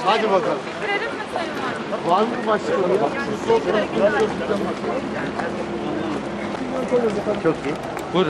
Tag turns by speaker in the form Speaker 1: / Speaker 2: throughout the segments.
Speaker 1: Hadi bakalım.
Speaker 2: Görelim mi Sayın Valim?
Speaker 1: Var mı başka ya? Çok iyi.
Speaker 3: Buyurun.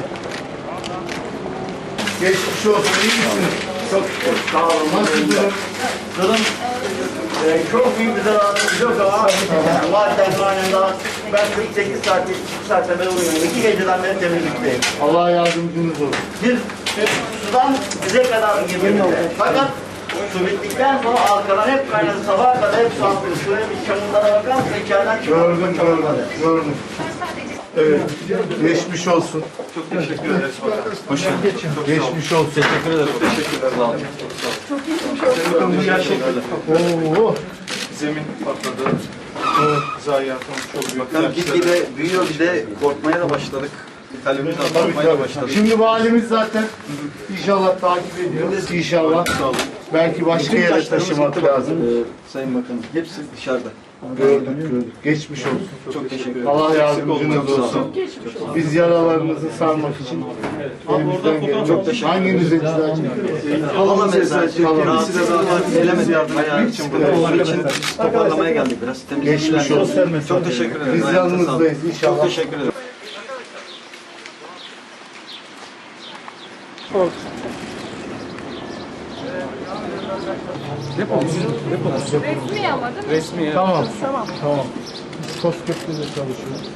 Speaker 1: Geçmiş olsun. İyi misiniz?
Speaker 4: Çok sağ olun.
Speaker 1: Nasılsınız?
Speaker 4: Durum çok büyük bir zararımız yok ama madden kaynağında ben 48 saat, 72 saatte ben uyuyorum. 2 geceden beri temizlikteyim.
Speaker 1: Allah yardımcınız olsun.
Speaker 4: Biz sudan bize kadar girmedi. Fakat su bittikten sonra arkadan hep kaynadı. Sabaha kadar hep su atıyor. Şöyle bir çamurlara bakar mısın? İçeriden
Speaker 1: Gördüm. Evet. Geçmiş olsun.
Speaker 3: Çok teşekkür ederiz bakalım. Hoş geldiniz.
Speaker 1: Geçmiş olsun.
Speaker 3: Teşekkür ederim. Teşekkürler. Sağ olun. Çok iyi. Gerçekten.
Speaker 1: Oo.
Speaker 3: Zemin patladı. Zayiatımız çok büyük.
Speaker 5: Bakalım gitgide büyüyor, bir de korkmaya da başladık. Talebimiz artmaya da başladı.
Speaker 1: Şimdi valimiz zaten inşallah takip ediyor. İnşallah. Belki başka yere taşımak lazım.
Speaker 5: Sayın Bakanım, hepsi dışarıda.
Speaker 1: Gördük. Geçmiş olsun.
Speaker 5: Çok teşekkür ederim.
Speaker 1: Allah yardımcınız olsun. Biz yaralarınızı sarmak için elimizden gelen çok teşekkür ederiz. Hanginiz eczacı?
Speaker 5: Allah mesela kendisi de zaten gelemedi yardım için burada. Onun için toparlamaya geldik biraz.
Speaker 1: Geçmiş olsun.
Speaker 5: Çok teşekkür ederim.
Speaker 1: Biz yanınızdayız inşallah.
Speaker 5: Çok teşekkür ederim.
Speaker 2: Resmi ama değil mi?
Speaker 3: Resmi.
Speaker 1: Tamam. Koskep'te de çalışıyoruz.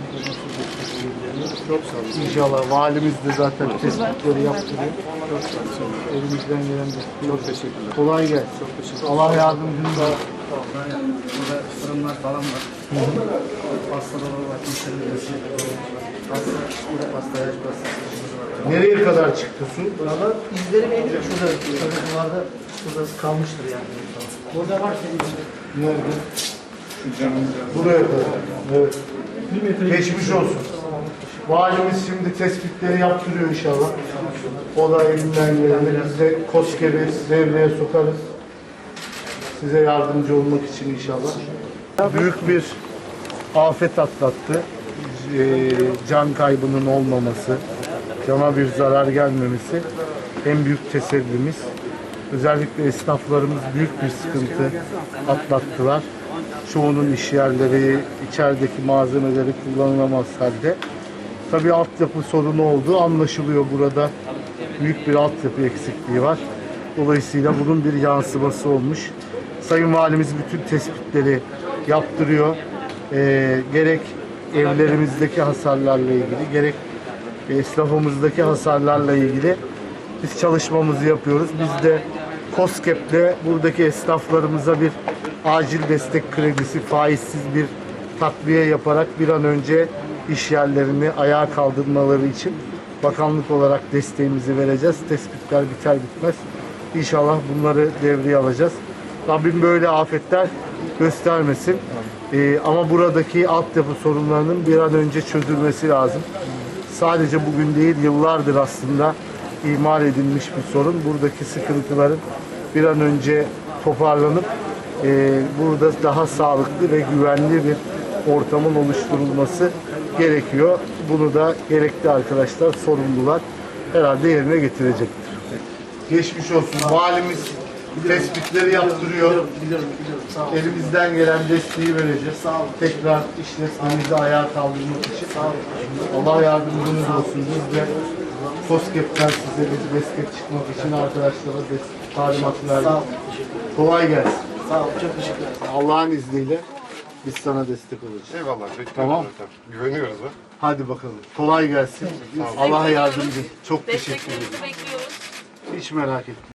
Speaker 1: Çok sağ olun. İnşallah valimiz de zaten tespitleri yaptırıyor. Çok sağ olun. Elimizden gelen de. Çok teşekkürler. Kolay gelsin. Çok teşekkürler. Allah yardımcınız olsun.
Speaker 6: Burada fırınlar falan var. Pastalar var, müşterilerimiz. Pasta, kuru pasta, yaş pasta.
Speaker 1: Nereye kadar çıktı su?
Speaker 6: Valla izleri belli. Şurada şurada kalmıştır yani. Burada var senin için.
Speaker 1: Nerede? Buraya kadar. Evet. Geçmiş olsun. Valimiz şimdi tespitleri yaptırıyor inşallah. O da elinden geleni biz de KOSGEB'i devreye sokarız. Size yardımcı olmak için inşallah. Büyük bir afet atlattı. Can kaybının olmaması, cana bir zarar gelmemesi en büyük tesellimiz. Özellikle esnaflarımız büyük bir sıkıntı atlattılar. Çoğunun iş yerleri, içerideki malzemeleri kullanılamaz halde. Tabii altyapı sorunu olduğu anlaşılıyor burada. Büyük bir altyapı eksikliği var. Dolayısıyla bunun bir yansıması olmuş. Sayın Valimiz bütün tespitleri yaptırıyor. Gerek evlerimizdeki hasarlarla ilgili, gerek esnafımızdaki hasarlarla ilgili biz çalışmamızı yapıyoruz. Biz de KOSGEB'le buradaki esnaflarımıza bir acil destek kredisi, faizsiz bir takviye yaparak bir an önce iş yerlerini ayağa kaldırmaları için bakanlık olarak desteğimizi vereceğiz. Tespitler biter bitmez. İnşallah bunları devreye alacağız. Rabbim böyle afetler göstermesin. Ama buradaki altyapı sorunlarının bir an önce çözülmesi lazım. Sadece bugün değil, yıllardır aslında ihmal edilmiş bir sorun. Buradaki sıkıntıların bir an önce toparlanıp burada daha sağlıklı ve güvenli bir ortamın oluşturulması gerekiyor. Bunu da gerekli arkadaşlar, sorumlular herhalde yerine getirecektir. Geçmiş olsun. Valimiz tespitleri yaptırıyor.
Speaker 6: Biliyorum. Sağ olun.
Speaker 1: Elimizden gelen desteği vereceğiz.
Speaker 6: Sağ olun.
Speaker 1: Tekrar işletmemizi ayağa kaldırmak için. Allah yardımcınız olsun. Biz de KOSGEB'ten size bir destek çıkmak için arkadaşlara talimat verdik.
Speaker 6: Sağ olun.
Speaker 1: Kolay gelsin.
Speaker 6: Sağ olun. Çok teşekkür ederim.
Speaker 1: Allah'ın izniyle biz sana destek olacağız.
Speaker 7: Eyvallah. Bekliyoruz
Speaker 1: Tamam.
Speaker 7: zaten. Güveniyoruz ha.
Speaker 1: Hadi bakalım. Kolay gelsin. Allah yardımcı. Çok teşekkür ederim.
Speaker 2: Desteklerinizi bekliyoruz.
Speaker 1: Hiç merak etme.